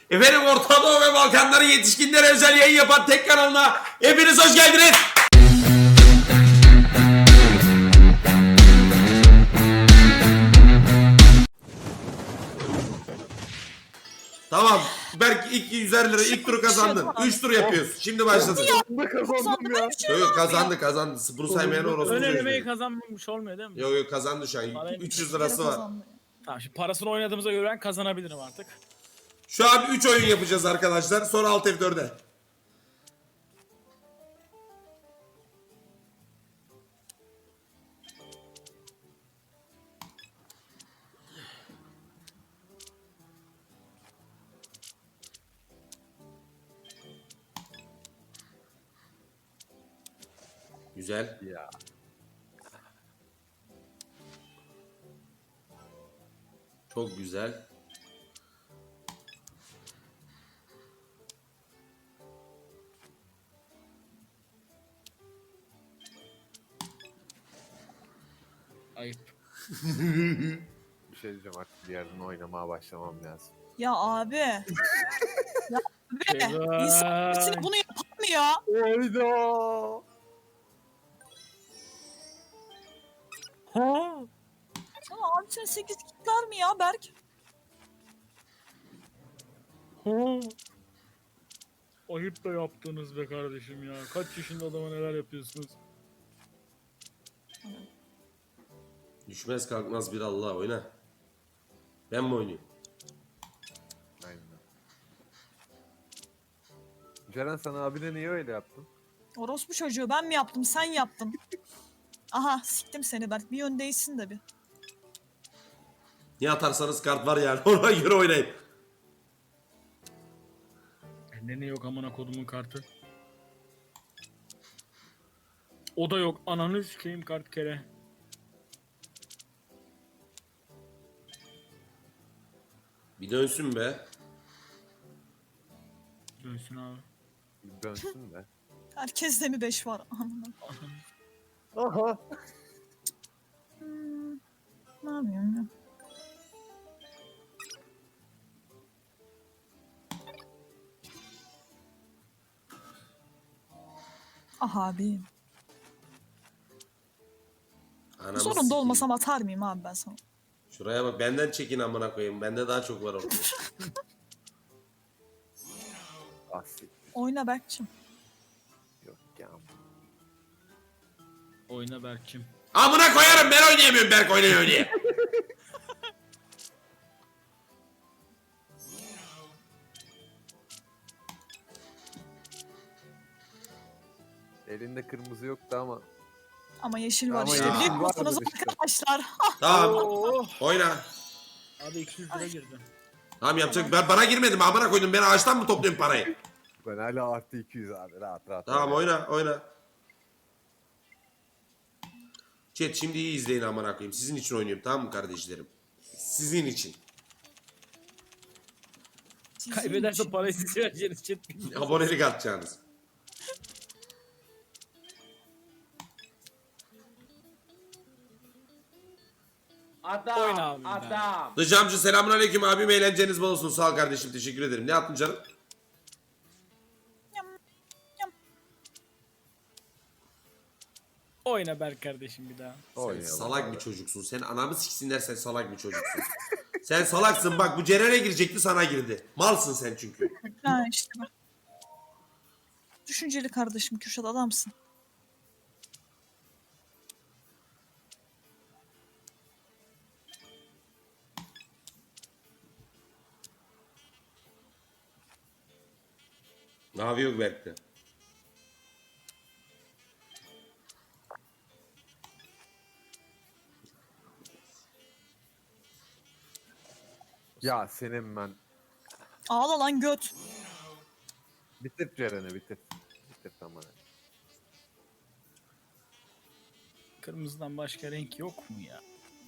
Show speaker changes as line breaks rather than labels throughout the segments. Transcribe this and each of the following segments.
Efendim Orta Doğu ve Balkanların yetişkinlere özel yayın yapan tek kanalına hepiniz hoş geldiniz. Tamam. Berk ilk 100'er lira ilk turu kazandın. 3 tur yapıyoruz. Şimdi başladı.
Kazandım ya.
Yok kazandı. Bunu saymayan orası.
Ön elemeyi kazanmamış olmuyor değil mi?
Yok kazandı şu an. 300 lirası var.
Tamam şimdi parasını oynadığımıza göre ben kazanabilirim artık.
Şu an 3 oyun yapacağız arkadaşlar. Sonra Alt F4'e. Güzel.
Ya.
Çok güzel.
Ayıp.
Bir şey diyeceğim, artık bir yerden oynamaya başlamam lazım.
Ya abi. Ya abi.
Eyvah.
İnsan birisine bunu yapar mı ya?
Oyda.
Ha?
Sana abi sen 8 kitler mi ya Berk?
Ha? Ayıp da yaptınız be kardeşim ya. Kaç yaşında adama neler yapıyorsunuz?
Düşmez kalkmaz bir Allah oyna. Ben mi oynayayım?
Aynen. Ceren, sana abine niye öyle yaptın?
Orospu çocuğu ben mi yaptım sen yaptın. Aha siktim seni Berk bir yöndeysin de bir.
Ne atarsanız kart var yani ona göre oynayın.
Bende ne yok amına kodumun kartı. O da yok. Ananı sikeyim kart kere.
Bir dönsün be.
Dönsün abi.
Bir dönsün de.
Herkeste mi 5 var? Aman.
Aha.
Ne yapıyorum ya? Aha abi.
Anamı
Zorunda
sikeyim.
olmasam atar mıyım abi ben sana?
Şuraya bak benden çekin amına koyayım. Bende daha çok var orada.
Asil.
Oyna Berk'cim.
Yok ya.
Oyna Berk'cim.
Amına koyarım ben oynayamıyorum Berk oynaya oynaya.
Elinde kırmızı yoktu ama.
Ama yeşil var
Ama
işte
yeşil
biliyor
var
musunuz
işte.
arkadaşlar?
Tamam
Oo.
oyna.
Abi 200 lira girdi.
Tamam yapacak. Ben bana girmedim amına koydum. Ben ağaçtan mı topluyorum parayı?
Ben hala artı 200 abi, rahat.
Tamam oyna. Chat şimdi iyi izleyin amına koyayım. Sizin için oynuyorum tamam mı kardeşlerim? Sizin için.
Sizin
Kaybederse
için.
parayı siz vereceğiniz chat.
Abonelik atacaksınız.
Oyna abi.
Adam.
Dışamcı selamünaleyküm abim eğlenceniz bol olsun. Sağ ol kardeşim teşekkür ederim. Ne attın canım?
Oyna Berk kardeşim bir daha.
Sen
Oynayalım
salak
abi.
bir çocuksun. Sen anamı siksinler sen salak bir çocuksun. Sen salaksın bak bu Ceren'e girecekti sana girdi. Malsın sen çünkü.
Ha işte bak. Düşünceli kardeşim Kürşat adamsın.
Ne yapıyor Berk'te?
Ya senin ben.
Ağla lan göt.
Bitir Ceren'i, bitir. Bitir tamam.
Kırmızıdan başka renk yok mu ya?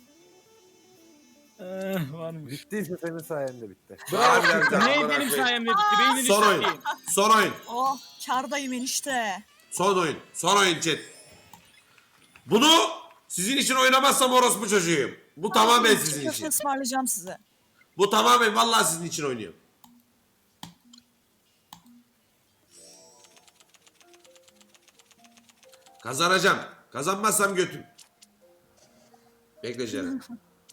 Varmış.
Bittiyse senin sayende bitti.
Harbiden de
Ne
amına
benim
koyayım.
sayemde bitti? Beynini
Son oyun.
sikeyim.
Son oyun.
Oh kardayım enişte.
Son oyun. Son oyun chat. Bunu sizin için oynamazsam orospu çocuğuyum. Bu tamamen sizin
Köfte
için.
ısmarlayacağım size.
Bu tamamen vallahi sizin için oynuyorum. Kazanacağım. Kazanmazsam götüm. Bekle Ceren.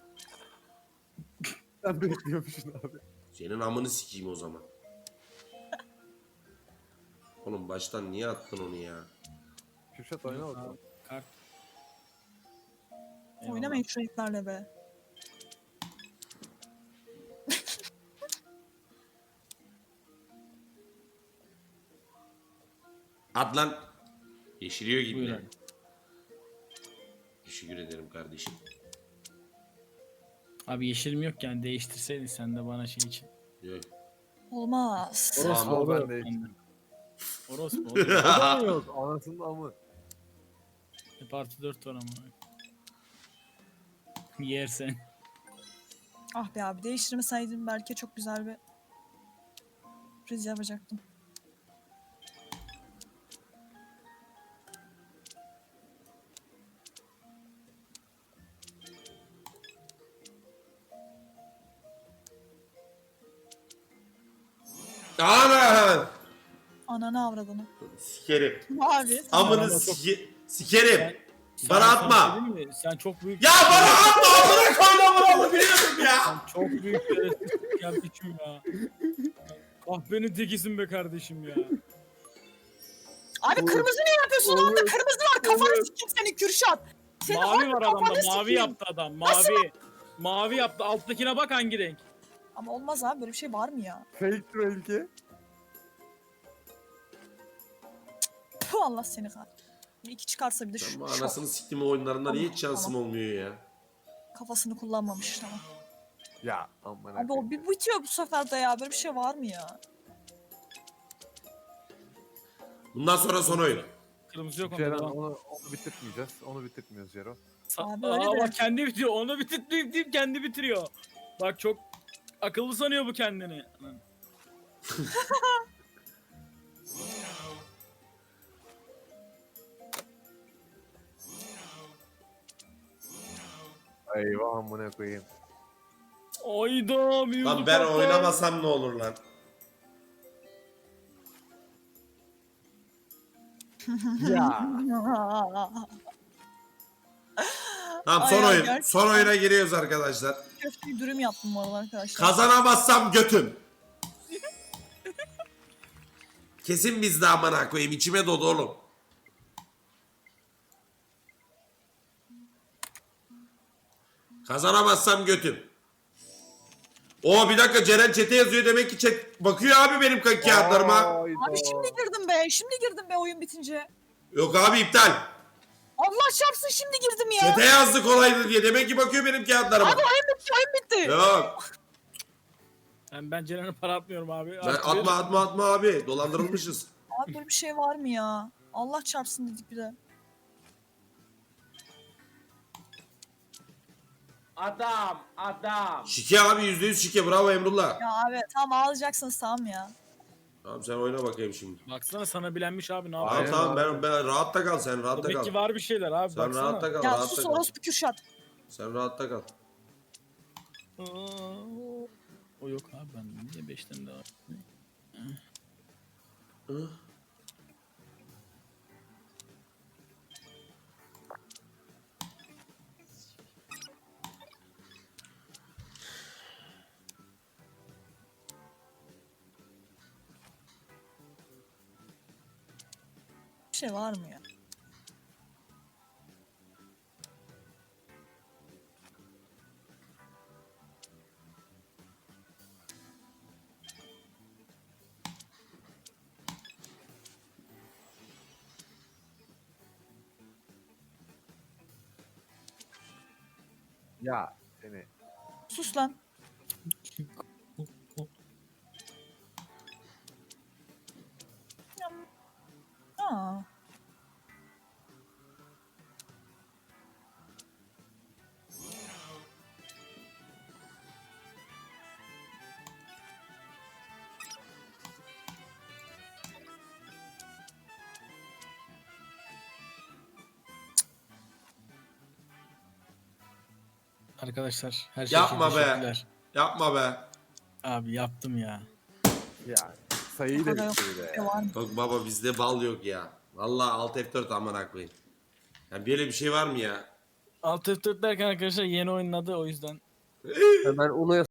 Sen bekliyormuşsun abi.
Senin amını sikeyim o zaman. Oğlum baştan niye attın onu ya?
Kürşat oyna bakalım.
Kart.
Oynamayın şu heriflerle be.
At lan. Yeşiliyor gibi.
Buyurun.
Teşekkür ederim kardeşim.
Abi yeşilim yok yani değiştirseydin sen de bana şey için.
Yok.
Olmaz.
Orospu
Ama ben
olur.
de-
Orospu olur.
O da yok. Anasının amı.
Hep artı 4 var ama. Yersen.
Ah be abi değiştirmeseydim belki çok güzel bir priz yapacaktım.
Ana!
Ananı avradını.
Sikerim.
Abi.
Amını
Sana çok-
sikerim.
Sen-
Bana
sana
atma.
bir şey diyeyim mi? Sen çok büyük...
Ya bana atma amına koyma bunu biliyordum ya.
Sen çok büyük şerefsizlik kardeşim ya. Kahvenin tekisin be kardeşim ya.
Abi kırmızı ne yapıyorsun? Onda kırmızı var. Kafanı sikeyim seni Kürşat. Senin
Mavi var adamda.
kafanı
Mavi
sikeyim.
yaptı adam. Mavi. Mavi yaptı. Alttakine bak hangi renk.
Ama olmaz abi böyle bir şey var mı ya?
Fake belki.
Puh Allah seni kahretsin. Bir iki çıkarsa bir de şu
Ama anasını siktiğim oyunlarında niye hiç şansım
Tamam.
olmuyor ya?
kafasını kullanmamış tamam.
Ya aman
Abi o bir bitiyor bu sefer de ya. Böyle bir şey var mı ya?
Bundan sonra son oyun.
Kırmızı yok onda.
Ceren
Devam.
onu bitirtmeyeceğiz. Onu bitirtmiyoruz Cero.
Abi öyle de.
Bak kendi bitiyor. Onu bitirtmeyip deyip kendi bitiriyor. Bak çok akıllı sanıyor bu kendini.
Eyvah amına koyayım.
Ayda mevzu
Lan ben
patlar.
oynamasam ne olur lan?
Ya.
Tamam son
Ay,
oyun.
gerçekten.
Son oyuna giriyoruz arkadaşlar.
Köfteyi dürüm yaptım bu arada arkadaşlar.
Kazanamazsam götüm. Kesin bizde amına koyayım. İçime doğdu oğlum. Kazanamazsam götüm. Oo bir dakika Ceren çete yazıyor demek ki chat bakıyor abi benim kağıtlarıma.
Hayda.
Abi şimdi girdim be. Şimdi girdim be oyun bitince.
Yok abi iptal.
Allah çarpsın şimdi girdim ya.
Çete yazdı kolaydı diye. Demek ki bakıyor benim kağıtlarıma.
Abi oyun bitti oyun bitti.
Yok.
Ben Ceren'e para atmıyorum abi.
Ben atma abi. Dolandırılmışız.
Abi böyle bir şey var mı ya? Allah çarpsın dedik bir de.
Adam.
Şike abi %100 şike. Bravo Emrullah.
Ya abi tamam ağlayacaksınız tamam ya.
Tamam sen oyna bakayım şimdi.
Baksana sana bilenmiş abi ne
Tamam
yapıyor?
tamam ben rahatta kal sen rahatta
Demek
kal.
ki var bir şeyler abi
Sen
baksana.
rahatta kal
Ya
rahatta
sus
kal.
orospu Kürşat.
Sen rahatta kal.
O yok abi ben niye 5'ten daha?
Bir şey var mı ya?
Ya seni.
Sus lan. Aa.
Arkadaşlar her şey
Yapma
için
be.
teşekkürler.
Yapma be.
Abi yaptım ya.
Ya sayıyı
O
da
kadar yok.
bitir bir de
Bir şey
ya.
var mı?
Bak baba bizde bal yok ya. Vallahi Alt F4 amına koyayım. Ya böyle bir şey var mı ya?
Alt F4 derken arkadaşlar yeni oyunun adı o yüzden.
Ben Uno'ya